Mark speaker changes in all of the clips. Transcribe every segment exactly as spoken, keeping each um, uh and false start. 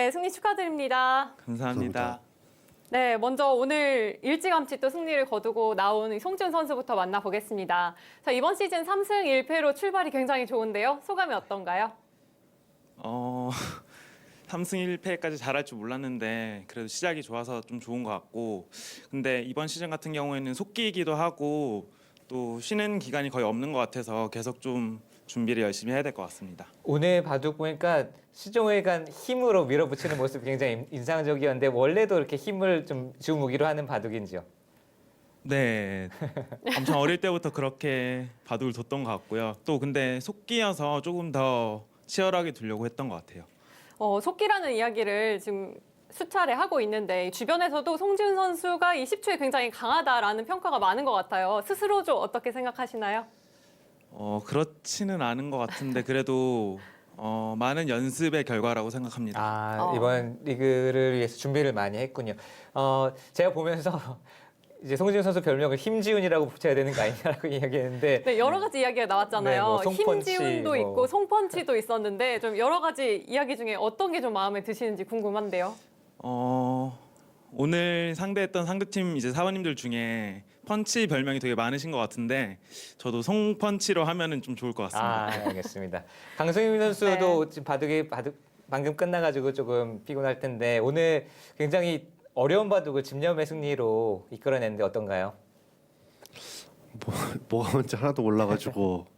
Speaker 1: 네, 승리 축하드립니다.
Speaker 2: 감사합니다.
Speaker 3: 감사합니다.
Speaker 1: 네, 먼저 오늘 일찌감치 또 승리를 거두고 나온 이 송지훈 선수부터 만나보겠습니다. 자, 이번 시즌 삼 승 일 패로 출발이 굉장히 좋은데요. 소감이 어떤가요?
Speaker 2: 어, 삼 승 일 패까지 잘할 줄 몰랐는데 그래도 시작이 좋아서 좀 좋은 것 같고, 근데 이번 시즌 같은 경우에는 속기이기도 하고 또 쉬는 기간이 거의 없는 것 같아서 계속 좀 준비를 열심히 해야 될 것 같습니다.
Speaker 4: 오늘 바둑 보니까 시종일관 힘으로 밀어붙이는 모습이 굉장히 인상적이었는데 원래도 이렇게 힘을 좀 주 무기로 하는 바둑인지요?
Speaker 2: 네, 엄청 어릴 때부터 그렇게 바둑을 뒀던 것 같고요. 또 근데 속기여서 조금 더 치열하게 두려고 했던 것 같아요.
Speaker 1: 어, 속기라는 이야기를 지금 수차례 하고 있는데 주변에서도 송지훈 선수가 이 십 초에 굉장히 강하다라는 평가가 많은 것 같아요. 스스로 좀 어떻게 생각하시나요?
Speaker 2: 어, 그렇지는 않은 것 같은데 그래도 어, 많은 연습의 결과라고 생각합니다.
Speaker 4: 아,
Speaker 1: 어.
Speaker 4: 이번 리그를 위해서 준비를 많이 했군요. 어, 제가 보면서 이제 송지훈 선수 별명을 힘지훈이라고 붙여야 되는 거 아니냐라고 이야기했는데
Speaker 1: 네, 여러 가지 이야기가 나왔잖아요.
Speaker 4: 네, 뭐 송펀치,
Speaker 1: 힘지훈도
Speaker 4: 뭐.
Speaker 1: 있고 송펀치도 있었는데 좀 여러 가지 이야기 중에 어떤 게 좀 마음에 드시는지 궁금한데요.
Speaker 2: 어, 오늘 상대했던 상대팀 이제 사원님들 중에 펀치 별명이 되게 많으신 것 같은데 저도 송펀치로 하면은 좀 좋을 것 같습니다.
Speaker 4: 아, 알겠습니다. 강승민 선수도 지금 바둑이 바둑 방금 끝나가지고 조금 피곤할 텐데 오늘 굉장히 어려운 바둑을 집념의 승리로 이끌어냈는데 어떤가요?
Speaker 3: 뭐, 뭐가 뭔지 하나도 몰라가지고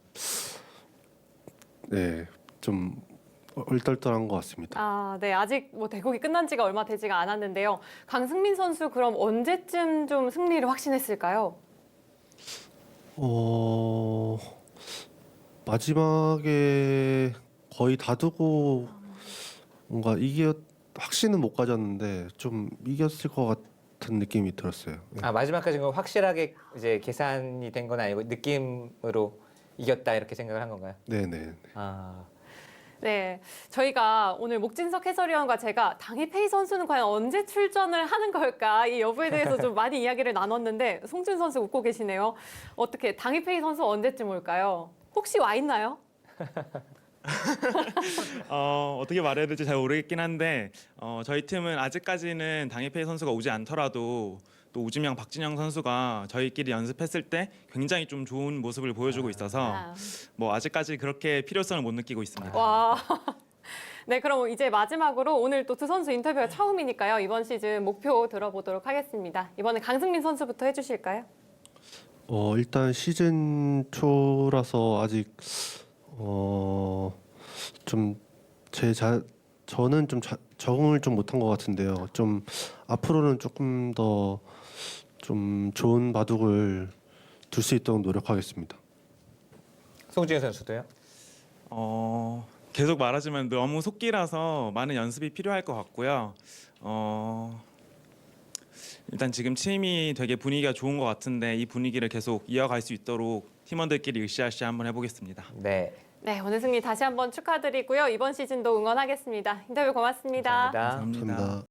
Speaker 3: 네, 좀 얼떨떨한 것 같습니다.
Speaker 1: 아, 네. 아직 뭐 대국이 끝난 지가 얼마 되지가 않았는데요. 강승민 선수 그럼 언제쯤 좀 승리를 확신했을까요?
Speaker 3: 어, 마지막에 거의 다 두고 뭔가 이겨 확신은 못 가졌는데 좀 이겼을 것 같은 느낌이 들었어요. 네.
Speaker 4: 아, 마지막까지 그럼 확실하게 이제 계산이 된 건 아니고 느낌으로 이겼다 이렇게 생각을 한 건가요?
Speaker 3: 네네.
Speaker 4: 아,
Speaker 1: 네. 저희가 오늘 목진석 해설위원과 제가 당일페이 선수는 과연 언제 출전을 하는 걸까? 이 여부에 대해서 좀 많이 이야기를 나눴는데 송지훈 선수 웃고 계시네요. 어떻게 당일페이 선수 언제쯤 올까요? 혹시 와 있나요?
Speaker 2: 어, 어떻게 말해야 될지 잘 모르겠긴 한데 어, 저희 팀은 아직까지는 당일페이 선수가 오지 않더라도 또 우지명, 박진영 선수가 저희끼리 연습했을 때 굉장히 좀 좋은 모습을 보여주고 있어서
Speaker 1: 아.
Speaker 2: 뭐 아직까지 그렇게 필요성을 못 느끼고 있습니다.
Speaker 1: 와. 네, 그럼 이제 마지막으로 오늘 또 두 선수 인터뷰가 처음이니까요. 이번 시즌 목표 들어보도록 하겠습니다. 이번에 강승민 선수부터 해주실까요?
Speaker 3: 어, 일단 시즌 초라서 아직 어, 좀 제 자, 저는 좀 자, 적응을 좀 못한 것 같은데요. 좀 앞으로는 조금 더 좀 좋은 바둑을 둘 수 있도록 노력하겠습니다.
Speaker 4: 송지훈 선수도요?
Speaker 2: 어, 계속 말하지만 너무 속기라서 많은 연습이 필요할 것 같고요. 어, 일단 지금 팀이 되게 분위기가 좋은 것 같은데 이 분위기를 계속 이어갈 수 있도록 팀원들끼리 으쌰으쌰 한번 해보겠습니다.
Speaker 4: 네,
Speaker 1: 네, 오늘 승리 다시 한번 축하드리고요. 이번 시즌도 응원하겠습니다. 인터뷰 고맙습니다.
Speaker 4: 감사합니다.
Speaker 2: 감사합니다.
Speaker 3: 감사합니다.